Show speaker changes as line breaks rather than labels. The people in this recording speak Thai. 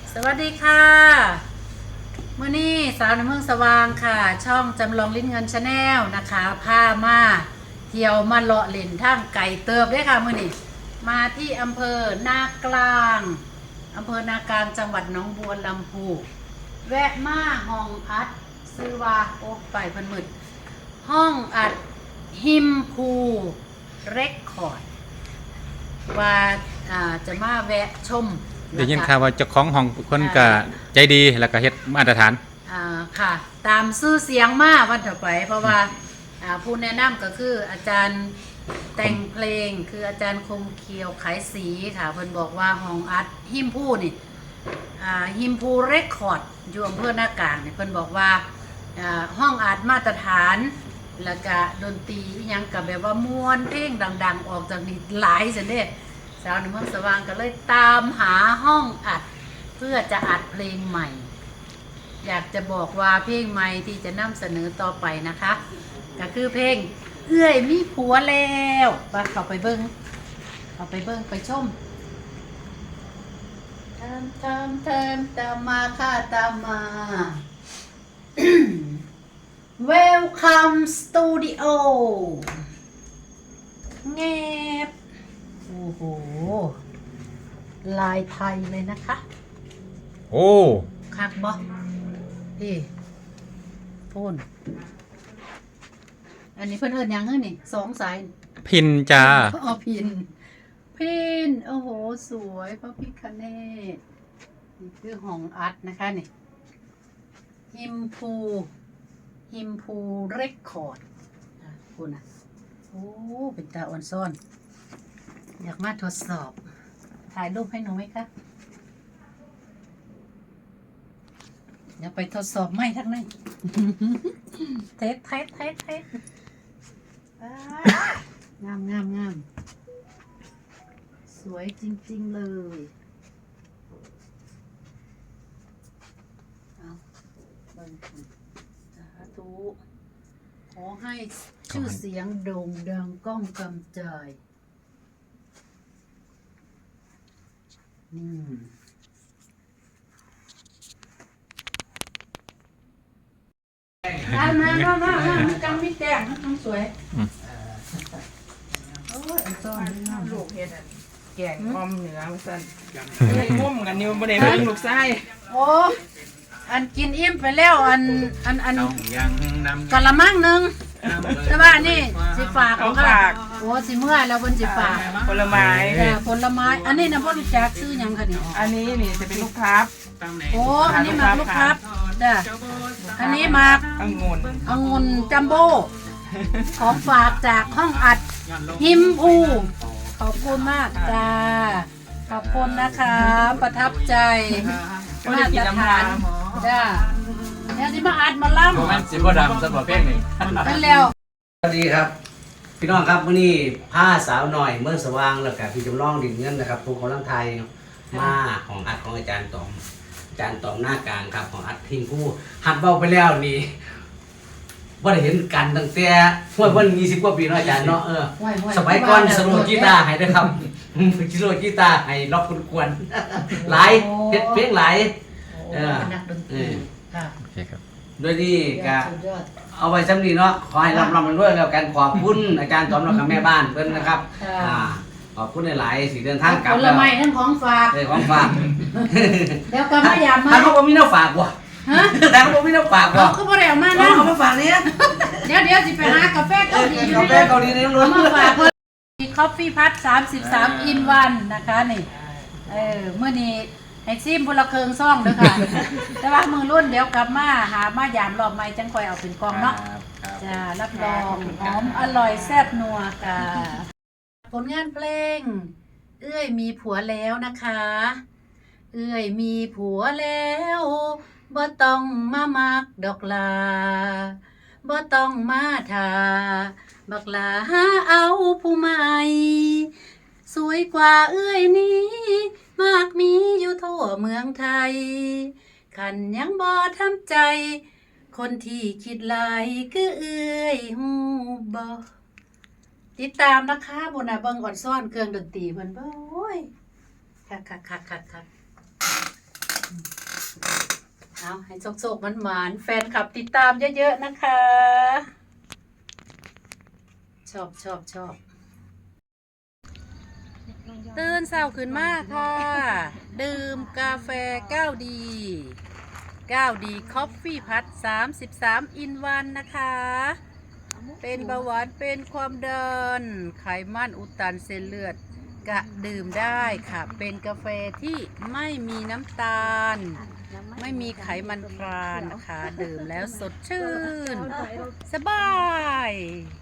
สวัสดีค่ะเมื่อนี้สาวในเมืองสว่างค่ะช่องจำลองลิ้นเงินชาแนลนะคะพามาเที่ยวมาเลาะเล่นทางไก่เติบด้วยค่ะเมื่อนี้มาที่อำเภอนากลางจังหวัดหนองบัวลำพูแวะมาห้องอัดซื้อว่าโอ้ไปเพิ่นมืดห้องอัดฮิมพูเรคคอร์ดว่าจะมาแวะชม
ได้ยินข่าวว่าเจ้าของห้องคนก็ใจดีแล้วก็เฮ็ดมาตรฐาน
ค่ะตามชื่อเสียงมาวันต่อไปเพราะว่าผู้แนะนำก็คืออาจารย์แต่งเพลงคืออาจารย์คมเคียวขายสีค่ะเพิ่นบอกว่าห้องอัดฮิมพูนี่ฮิมพูเรคคอร์ดอยู่อำเภอนากลางเนี่ยเพิ่นบอกว่าห้องอัดมาตรฐานแล้วก็ดนตรียังกับแบบว่าม่วนเพลงดังๆออกจากนี้หลายจังเด้สาวในเมืองสว่างก็เลยตามหาห้องอัดเพื่อจะอัดเพลงใหม่อยากจะบอกว่าเพลงใหม่ที่จะนำเสนอต่อไปนะคะก็คือเพลงเอื้อยมีผัวแล้วเข้าไปเบิ้งไปชมตามมาค่ะตามมา Welcome Studio เงียบโอ้โหลายไทยเลยนะคะ
โอ้
คักบ่พี่พูนอันนี้เพิ่นเอิ้นหยังเฮ้ยนี่2 สาย
พินจ้า
อ๋อพินโอ้โหสวยพระพิฆเนศนี่คือห้องอัดนะคะนี่ฮิมพูเรคคอร์ดคุณอ่ะโอ้เป็นตาอ่อนซ่อนอยากมาทดสอบถ่ายรูปให้หนูไหมคะเดี๋ยวไปทดสอบไหมทั้งนั้น เทสงามสวยจริงๆเลยเอาเบิ่งสาธุขอให้ชื่อเสียงโด่งดังก้องกำจายมาจังไม่แจ้งทั้งสวยโอ้ยซ้อน
ลูกเฮ็ดแกงอ้อมเหนือมาสั่นงุ่มกันอยู่บ่ได้เบิ่งลูกชาย
โอ้อันกินอิ่มไปแล้วอันกะละมังนึงแต่ว่านี่สิฝากของค่ะโอ้สิเมื่อแล้วเพิ่นสิฝาก
ผลไม้
ผลไม้อันนี้นะบ่รู้จักซื้อหยังค่ะนี่
อันนี้นี่จะเป็นลูกพลับ
โอ้อันนี้หมากลูกพลับจ้ะอันนี้หมากองุ่นจัมโบ้ของฝากจากห้องอัดฮิมพูขอบคุณมากจ้าขอบคุณนะคะประทับใจมาตรฐานจ้าเนี่ยสิมาอัดมาล่ำ
มันสิบ่ดำสำหรับเพลงนี้
นั่นแล้ว
สวัสดีครับพี่น้องครับวันนี้ผ้าสาวหน่อยเมืองสว่างแล้วกับพี่จำลองดินเงินนะครับทุกคนทั้งไทยมาของอัดของอาจารย์ตอมหน้ากลางครับของอัดทิ้งผู้หัดเบาไปแล้วนี่ว่าได้เห็นกันตั้งแต่เมื่อ20 กว่าปีเนาะอาจารย์เนาะสมัยก่อนสโลกีตาร์ให้ด้วยครับสโลกีตาร์ให้ล็อกกวนหลายเพลงหลาย
นักดนตรีค่ะ
โอเคครับ
โดยที่ก็เอาไว้สำนีเนาะขอให้ร่ำมันด้วยแล้วกันขอบคุณอาจารย์ตอมและแม่บ้านเพิ่นนะครับขอบคุณหลายๆสิเดินทางกลับ
ผลไม้ทั้งของฝาก
ของฝาก
แล้วก็มายามมา
เขาบอกมีน้ำฝากว่ะแต่เขาบอกมีน้ำฝากว่ะ
เขาบอกแล้วมานะ
เขามาฝากเนี่ย
เดี๋ยวสิไปหากาแฟเกาหลี
กาแฟเกาหลีนี่ล้วน
มาฝากเพิ่นมีคอฟฟี่พัท33 in 1นะคะนี่เมื่อนี้ให้ซิมบุละเคิงซ่องเด้อค่ะแต่ว่ามือรุ่นเดี๋ยวกลับมาหามายามรอบใหม่จังค่อยเอาเป็นกองเนาะจ้ารับรองหอมอร่อยแซ่บนัวค่ะผลงานเพลงเอื้อยมีผัวแล้วนะคะเอื้อยมีผัวแล้วบ่ต้องมามักดอกลาบ่ต้องมาทาบักลาหาเอาผู้ใหม่สวยกว่าเอื้อยนี้มากมีอยู่ทั่วเมืองไทยขันยังบ่ทำใจคนที่คิดหลายคือเอื้อยฮู้บ่ติดตามนะคะบนน่ะเบิ่งอ่อนซ่อนเครื่องดนตรีเพิ่นโอ้ยคักเอาให้โศกๆหวานๆแฟนคลับติดตามเยอะๆนะคะ ชอบตื่นเช้าขึ้นมาค่ะ ดื่มกาแฟ9ดีคอฟฟี่พัด33อินวันนะคะ เป็นเบาหวานเป็นความดันไขมันอุดตันเส้นเลือดกะดื่มได้ค่ะ เป็นกาแฟที่ไม่มีน้ำตาล ไม่มีไขมันทรานนะคะ ดื่มแล้วสดชื่น สบาย